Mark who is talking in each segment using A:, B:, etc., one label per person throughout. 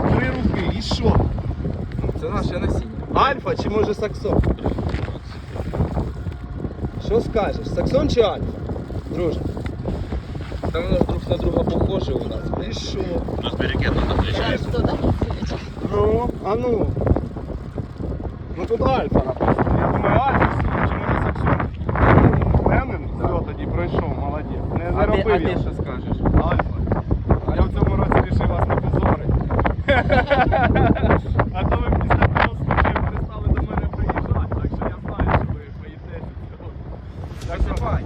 A: 3 руки. І що?
B: Це наше насіння.
A: Альфа чи може Саксон? Що скажеш? Саксон чи Альфа? Друже.
B: Та воно ж друг на друга похоже у нас.
A: І що?
C: У нас перекидно на плечі.
A: Ну, а ну. Ну тут Альфа написано. Я думаю, Альфа чи може Саксон? Впевнений? Все, тоді пройшов, молодець. Не заробив
B: А
A: я.
B: ти що скажеш?
A: Альфа. Я в цьому році вирішив вас не позорити. А то ви після того случаю перестали до мене приїжджати, так що я знаю, що ви боїтеся цього. Так давай.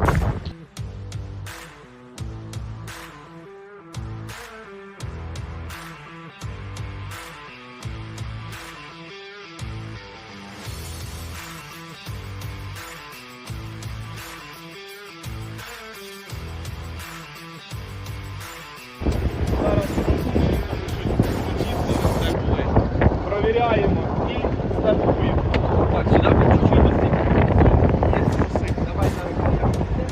A: Провіряємо і стартуємо.
B: Так, сюди по чуть-чуть достиг. Давай на руках.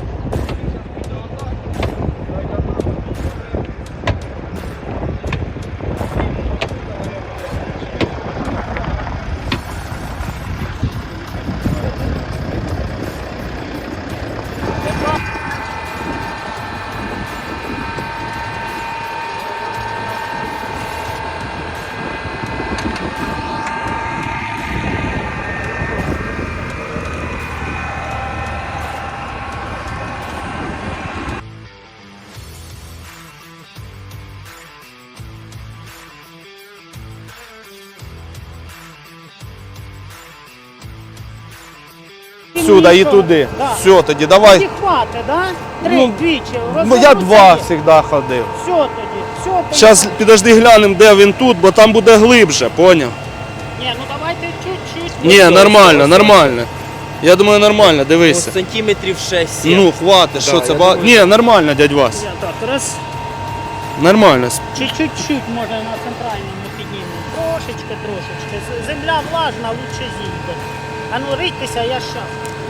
A: Сюди і туди.
D: Да.
A: Все, тоді давай.
D: Тоді хватить, да? Три,
A: Ну,
D: двічі.
A: Ну, я 2 завжди ходив.
D: Все тоді, все тоді.
A: Зараз підожди глянемо, де він тут, бо там буде глибше, поняв?
D: Ні, ну давайте чуть-чуть.
A: Ні, нормально, нормально. Я думаю, нормально, дивися.
B: Сантиметрів 6-7.
A: Ну, хватить, що це
B: я
A: багато.
B: думаю,
A: Ні, нормально, дядь Вась.
D: Я так, раз,
A: Нормально.
D: чуть-чуть може на центральному піднімемо. Трошечки. Земля влажна, лучше зійде. А ну рийтеся, я щас.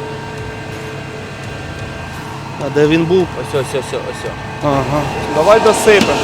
A: А де він був?
B: Ось.
A: Ага. Давай досипемо.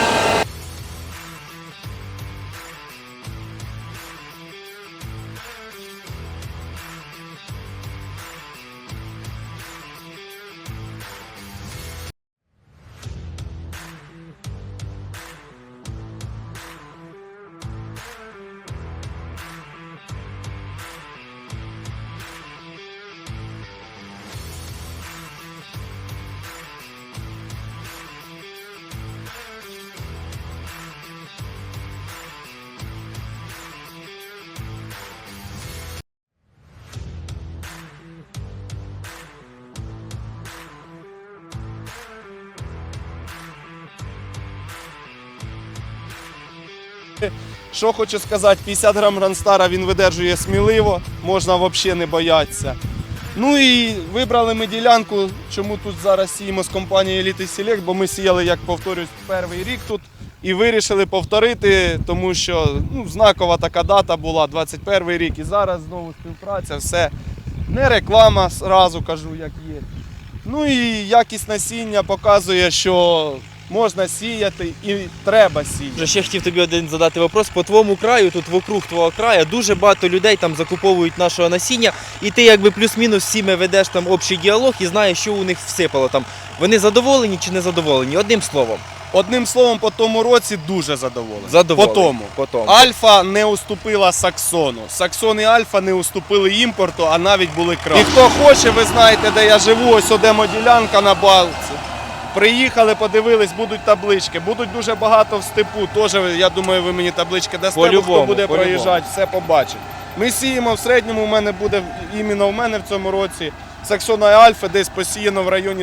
A: Що хочу сказати, 50 грам Грандстара він видержує сміливо, можна взагалі не боятися. Ну і вибрали ми ділянку, чому тут зараз сіємо з компанією Elite Select, бо ми сіяли, як повторюсь, перший рік тут і вирішили повторити, тому що знакова така дата була, 21 рік, і зараз знову співпраця, все. Не реклама, зразу кажу, як є. Ну і якість насіння показує, що можна сіяти і треба сіяти.
B: Ще хотів тобі один задати вопрос. По твоєму краю, тут вокруг твого краю, дуже багато людей там закуповують нашого насіння, і ти якби плюс-мінус всіми ведеш там общий діалог і знаєш, що у них всипало там. Вони задоволені чи не задоволені? Одним словом.
A: Одним словом, по тому році дуже задоволений.
B: Задоволені.
A: По тому. Альфа не уступила Саксону. Саксон і Альфа не уступили імпорту, а навіть були краще. І хто хоче, ви знаєте, де я живу, ось демоділянка на балці. Приїхали, подивились, будуть таблички. Будуть дуже багато в степу. Теж, я думаю, ви мені таблички дасте, хто буде проїжджати, все побачить. Ми сіємо в середньому, в мене буде, іменно в мене в цьому році, Саксона і Альфа десь посіяно в районі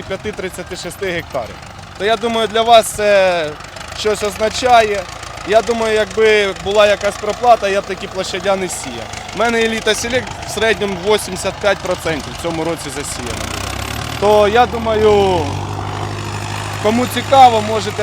A: 35-36 гектарів. То я думаю, для вас це щось означає. Я думаю, якби була якась проплата, я б такі площадя не сіяв. У мене Elite Select в середньому 85% в цьому році засіяно буде. То я думаю, кому цікаво,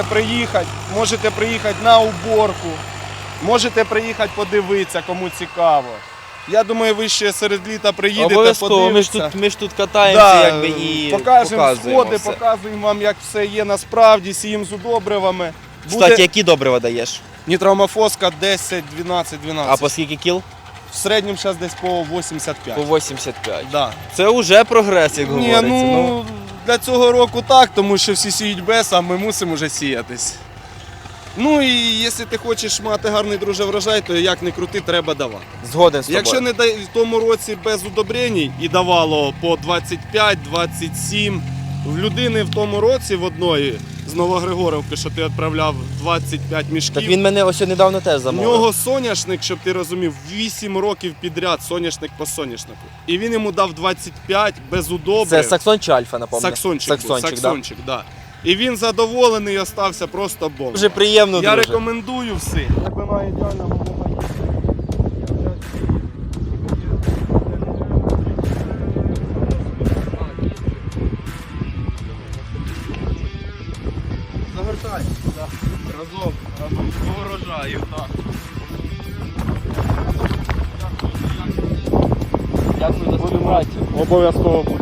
A: можете приїхати на уборку, можете приїхати подивитися, кому цікаво. Я думаю, ви ще серед літа приїдете,
B: обов'язково,
A: подивитися.
B: ми ж тут катаємося, якби, і
A: покажемо сходи,
B: все.
A: показуємо вам, як все є насправді, сіємо з удобривами.
B: Кстати, які добрива даєш?
A: Нітроамофоска 10, 12, 12.
B: А по скільки кіл?
A: В середньому зараз десь по 85.
B: По 85.
A: Да.
B: Це вже прогрес, як
A: Ні,
B: говориться.
A: ну, для цього року так, тому що всі сіють без, а ми мусимо вже сіятись. Ну і якщо ти хочеш мати гарний, друже, врожай, то як не крути, треба давати.
B: Згоден з тобою.
A: Якщо не в тому році без удобрень і давало по 25-27, в людини в тому році в одної з Новогригорівки, що ти відправляв 25 мішків,
B: Так він мене ось недавно теж
A: в
B: замовив.
A: нього соняшник, щоб ти розумів, 8 років підряд соняшник по соняшнику. І він йому дав 25 без удобрень.
B: Це Саксон чи Альфа, напевно?
A: Саксончик, був,
B: да.
A: Саксончик, да. І він задоволений і остався просто бомб.
B: Дуже приємно,
A: Я
B: друже.
A: рекомендую всім. Глибина ідеальна, волога є. Завертай. Разом по урожаю, так.
B: Дякую за співпрацю.
A: Обов'язково.